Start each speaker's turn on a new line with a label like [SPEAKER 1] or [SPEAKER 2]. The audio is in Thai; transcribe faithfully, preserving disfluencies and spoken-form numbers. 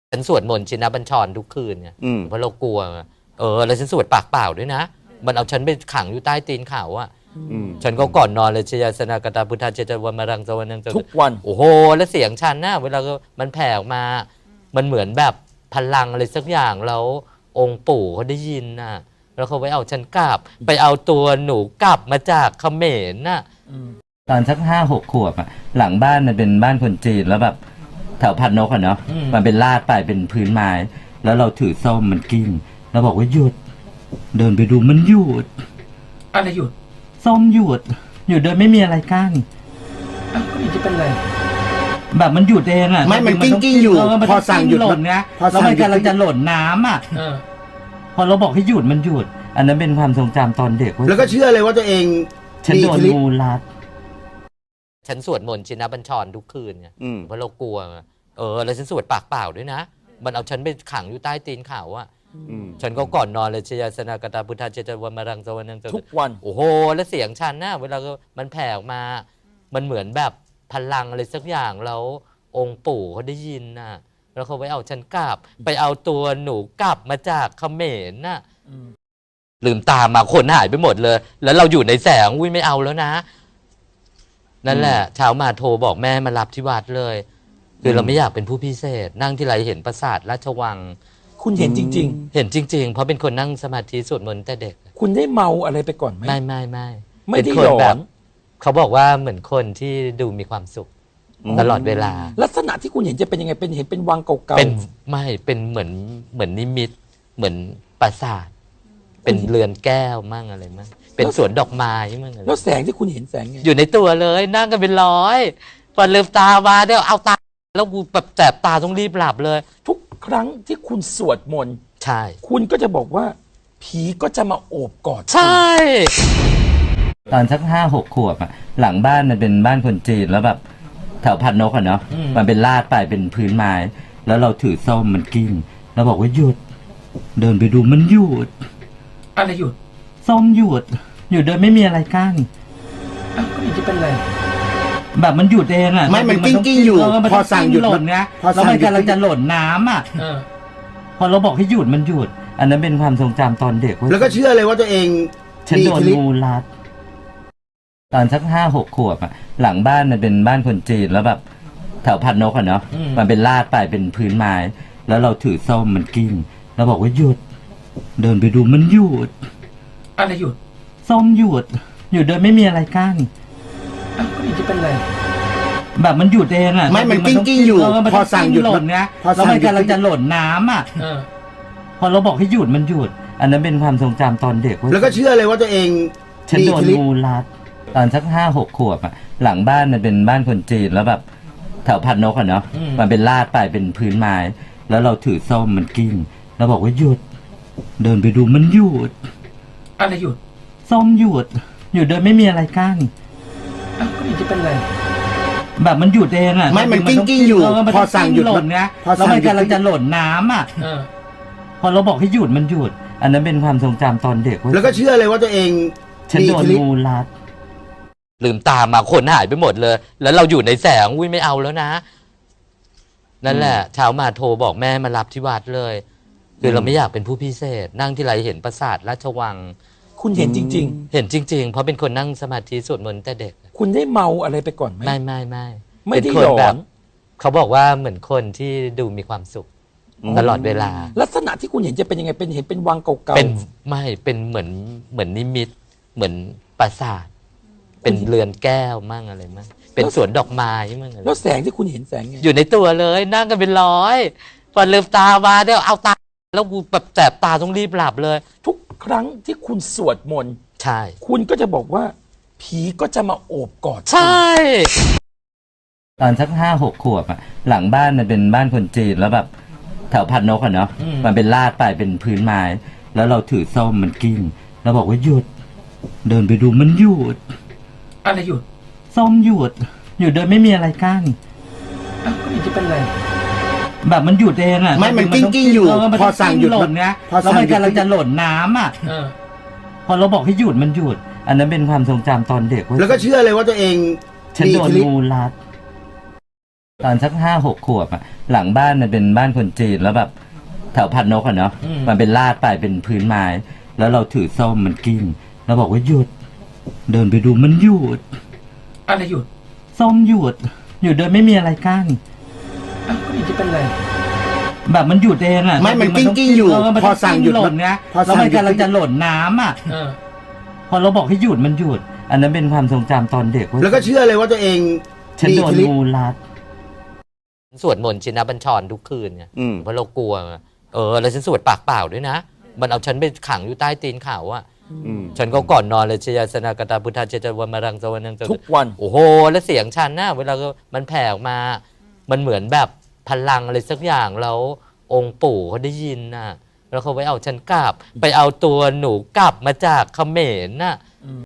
[SPEAKER 1] ฉันสวดมนต์ชินบัญชรทุกคืนไงเพราะเรากลัวเออแล้วฉันสวดปากเปล่าด้วยนะมันเอาฉันไปขังอยู่ใต้ตีนเขาอะฉันก็ก่อนนอนเลยชยสนากตาพุทธาเจตวันมารังสวรรค์
[SPEAKER 2] ทุกวัน
[SPEAKER 1] โอ้โหแล้วเสียงฉันนะเวลามันแผ่ออกมามันเหมือนแบบพลังอะไรสักอย่างแล้วองค์ปู่เขาได้ยินน่ะแล้วเขาไปเอาฉันกลับไปเอาตัวหนูกลับมาจากเขมรน่ะ
[SPEAKER 3] ตอนสักห้าหกขวบอะหลังบ้านมันเป็นบ้านคนจีนแล้วแบบแถวพันนกอะเนาะมันเป็นลาดไปเป็นพื้นไม้แล้วเราถือส้มมันกิ้งเราบอกว่าหยุดเดินไปดูมันหยุด
[SPEAKER 2] อะไรหยุด
[SPEAKER 3] ส้มหยุดหยุดโดยไม่มีอะไรกั้น
[SPEAKER 2] อ้าวก็ไม่จะเป็นไร
[SPEAKER 3] แบบมันหยุดเองอะ
[SPEAKER 4] ไม่มันกิ้งกิ้งอยู่พอสั่งหยุด
[SPEAKER 3] หล่นนะแล้วมันกำลังจะหล่นน้ำอะพอเราบอกให้หยุดมันหยุดอันนั้นเป็นความทรงจำตอนเด็ก
[SPEAKER 4] แล้วก็เชื่อเลยว่าตัวเอง
[SPEAKER 3] ฉันโดนงูรัด
[SPEAKER 1] ฉันสวดมนต์ชินบัญชรทุกคืนไงเพราะเรากลัวเออแล้วฉันสวดปากเปล่าด้วยนะมันเอาฉันไปขังอยู่ใต้ตีนเขาอะฉันก็ก่อนนอนเลยชยสนากตาพุทธาเจตวันมารังสวรรค์
[SPEAKER 2] ทุกวัน
[SPEAKER 1] โอ้โหแล้วเสียงฉันนะเวลามันแผ่ออกมามันเหมือนแบบพลังอะไรสักอย่างแล้วองค์ปู่เขาได้ยินน่ะแล้วเขาไปเอาฉันกลับไปเอาตัวหนูกลับมาจากเขมรน่ะลืมตามาคนหายไปหมดเลยแล้วเราอยู่ในแสงอุ้ยไม่เอาแล้วนะนั่นแหละเช้ามาโทรบอกแม่มารับที่วัดเลยคือเราไม่อยากเป็นผู้พิเศษนั่งที่ไรเห็นปราสาทราชวัง
[SPEAKER 2] คุณเห็นจริง
[SPEAKER 1] ๆเห็นจริงๆเพราะเป็นคนนั่งสมาธิสวดมนต์แต่เด็ก
[SPEAKER 2] คุณได้เมาอะไรไปก่อนไหม
[SPEAKER 1] ไม่ไม่ไม่
[SPEAKER 2] ไม่ได้หลอน
[SPEAKER 1] เขาบอกว่าเหมือนคนที่ดูมีความสุขตลอดเวลา
[SPEAKER 2] ลักษณะที่คุณเห็นจะเป็นยังไงเป็นเห็นเป็นวังเก่าๆ
[SPEAKER 1] เป็นไม่เป็นเหมือนเหมือนนิมิตเหมือนปราสาทเป็นเรือนแก้วมั่งอะไรมั่งเป็นสวนดอกไม้มั่งอะไร
[SPEAKER 2] แล้วแสงที่คุณเห็นแสงไง
[SPEAKER 1] อยู่ในตัวเลยนั่งกันเป็นร้อยพอลืมตามาเดี๋ยวเอาตาแล้วกูแบบแสบตาต้องรีบหลับเลย
[SPEAKER 2] ทุกครั้งที่คุณสวดมนต์
[SPEAKER 1] ใช่
[SPEAKER 2] คุณก็จะบอกว่าผีก็จะมาโอบกอด
[SPEAKER 1] ใช่
[SPEAKER 3] ตอนสักห้าหกขวบอะหลังบ้านมันเป็นบ้านคนจีนแล้วแบบแถวพันนกอะเนาะมันเป็นลาดไปเป็นพื้นไม้แล้วเราถือส้มมันกิ้งเราบอกว่าหยุดเดินไปดูมันหยุด
[SPEAKER 2] อะไรหยุด
[SPEAKER 3] ส้มหยุดหยุดโดยไม่มีอะไรกั้น
[SPEAKER 2] อ้าวก็ไม่จะเป็นไร
[SPEAKER 3] แบบมันหยุดเองอะ
[SPEAKER 4] ไม่มันกิ้งกิ้งอยู่พอสั่งหยุด
[SPEAKER 3] หล่นนะแล้วมันกำลังจะหล่นน้ำอะพอเราบอกให้หยุดมันหยุดอันนั้นเป็นความทรงจำตอนเด็ก
[SPEAKER 4] แล้วก็เชื่อเลยว่าตัวเอง
[SPEAKER 3] ฉันโดนงูรัดตอนสักห้าหกขวบอะหลังบ้านมันเป็นบ้านคนจีนแล้วแบบแถวพันนกอะเนาะมันเป็นลาดไปเป็นพื้นไม้แล้วเราถือส้มมันกิ้งเราบอกว่าหยุดเดินไปดูมันหยุด
[SPEAKER 2] อะไรหยุด
[SPEAKER 3] ส้มหยุดหยุดโดยไม่มีอะไรกั้น
[SPEAKER 2] อ้าวก็ไม่จะเป็นไร
[SPEAKER 3] แบบมันหยุดเองอะ
[SPEAKER 4] ไม่มันกิ้งกิ้งอยู่พอสั่งหยุด
[SPEAKER 3] หล่นนะแล้วมันกำลังจะหล่นน้ำอะพอเราบอกให้หยุดมันหยุดอันนั้นเป็นความทรงจำตอนเด็ก
[SPEAKER 4] แล้วก็เชื่อเลยว่าตัวเอง
[SPEAKER 3] ฉันโดนงูรัดตอนสักห้าหกขวบอะหลังบ้านมันเป็นบ้านคนจีนแล้วแบบแถวพันนกอะเนาะมันเป็นลาดไปเป็นพื้นไม้แล้วเราถือส้มมันกิ้งเราบอกว่าหยุดเดินไปดูมันหยุด
[SPEAKER 2] อะไรหยุด
[SPEAKER 3] ส้มหยุดหยุดโดยไม่มีอะไรกั้น
[SPEAKER 2] อ้าวก็ไม่จะเป็นไร
[SPEAKER 3] แบบมันหยุดเองอะ
[SPEAKER 4] ไม่มันกิ้งกิ้งอยู่พอสั่งหยุด
[SPEAKER 3] หล่นนะแล้วมันกำลังจะหล่นน้ำอะพอเราบอกให้หยุดมันหยุดอันนั้นเป็นความทรงจำตอนเด็ก
[SPEAKER 4] แล้วก็เชื่อเลยว่าตัวเอง
[SPEAKER 3] ฉันโดนงูรัด
[SPEAKER 1] ลืมตามาคนหายไปหมดเลยแล้วเราอยู่ในแสงอุ้ยไม่เอาแล้วนะนั่นแหละเช้ามาโทรบอกแม่มารับที่วัดเลยคือเราไม่อยากเป็นผู้พิเศษนั่งที่ไรเห็นปราสาทราชวัง
[SPEAKER 2] คุณเห็นจริง
[SPEAKER 1] ๆเห็นจริงๆเพราะเป็นคนนั่งสมาธิสวดมนต์แต่เด็ก
[SPEAKER 2] คุณได้เมาอะไรไปก่อนไหม
[SPEAKER 1] ไม่ไม่ไม่
[SPEAKER 2] ไม่ได้หลอน
[SPEAKER 1] เขาบอกว่าเหมือนคนที่ดูมีความสุขตลอดเวลา
[SPEAKER 2] ลักษณะที่คุณเห็นจะเป็นยังไงเป็นเห็นเป็นวังเก่าๆ
[SPEAKER 1] เป็นไม่เป็นเหมือนเหมือนนิมิตเหมือนปราสาทเป็นเรือนแก้วมั่งอะไรมั่งเป็นสวนดอกไม้มั่งอะไร
[SPEAKER 2] แล้วแสงที่คุณเห็นแสงไง
[SPEAKER 1] อยู่ในตัวเลยนั่งกันเป็นร้อยพอลืมตามาเดี๋ยวเอาตาแล้วกูแบบแสบตาต้องรีบหลับเลย
[SPEAKER 2] ทุกครั้งที่คุณสวดมนต์
[SPEAKER 1] ใช่
[SPEAKER 2] คุณก็จะบอกว่าผีก็จะมาโอบกอด
[SPEAKER 1] ใช่
[SPEAKER 3] ตอนสักห้าหกขวบอะหลังบ้านมันเป็นบ้านคนจีนแล้วแบบแถวพันนกอะเนาะมันเป็นลาดไปเป็นพื้นไม้แล้วเราถือส้มมันกิ้งเราบอกว่าหยุดเดินไปดูมันหยุด
[SPEAKER 2] อะไรหยุด
[SPEAKER 3] ส้มหยุดหยุดโดยไม่มีอะไรกั้น
[SPEAKER 2] อ้าวก็ไม่จะเป็นไร
[SPEAKER 3] แบบมันหยุดเองอะ
[SPEAKER 4] ไม่มันกิ้งกิ้งอยู่พอสั่งหยุด
[SPEAKER 3] หล่นนะแล้วมันกำลังจะหล่นน้ำอะพอเราบอกให้หยุดมันหยุดอันนั้นเป็นความทรงจำตอนเด็ก
[SPEAKER 4] แล้วก็เชื่อเลยว่าตัวเอง
[SPEAKER 3] ฉันโดนงูรัดตอนสักห้าหกขวบอะหลังบ้านมันเป็นบ้านคนจีนแล้วแบบแถวพันนกอะเนาะมันเป็นลาดไปเป็นพื้นไม้ แล้วเราถือส้มมันกิ้งเราบอกว่าหยุด เดินไปดูมันหยุด
[SPEAKER 2] อะไรหยุด
[SPEAKER 3] ส้มหยุดหยุดโดยไม่มีอะไรกั้น
[SPEAKER 2] อ้าวก็ไม่จะเป็นไร
[SPEAKER 3] แบบมันหยุดเองอะ
[SPEAKER 4] ไม่มันกิ้งกิ้งอยู่
[SPEAKER 3] เมัน
[SPEAKER 4] พอสั่งหยุด
[SPEAKER 3] หล่นนะ
[SPEAKER 4] พอ
[SPEAKER 3] แล้ว
[SPEAKER 4] สั่ง
[SPEAKER 3] มัน
[SPEAKER 4] หยุด
[SPEAKER 3] กำลังจะหล่นน้ำอะ
[SPEAKER 2] เออ
[SPEAKER 3] พอเราบอกให้หยุดมันหยุด อันนั้นเป็นความทรงจำตอนเด็กว่า
[SPEAKER 4] แล้วก็เชื่อเลยว่าตัวเอง
[SPEAKER 3] ฉันโดน
[SPEAKER 4] มีอิทธิฤทธิ์
[SPEAKER 3] งูรัด
[SPEAKER 1] สวดมนต์ชินบัญชรทุกคืนไง
[SPEAKER 4] อืม
[SPEAKER 1] เพราะเรากลัวไงเออแล้วฉันสวดปากเปล่าด้วยนะ มันเอาฉันไปขังอยู่ใต้ตีนเขาอะ
[SPEAKER 4] อืม
[SPEAKER 1] ฉันก็ก่อนนอนเลยชยาสนากตาพุทธาเจจวมารังสวนังส
[SPEAKER 2] ทุกวัน
[SPEAKER 1] โอ้โห แล้วเสียงฉันนะเวลามันแผ่ออกมา มันเหมือนแบบพลังอะไรสักอย่างแล้วองค์ปู่เขาได้ยินน่ะ แล้วเขาไปเอาฉันกลับ ไปเอาตัวหนูกลับมาจากเขมรน่ะ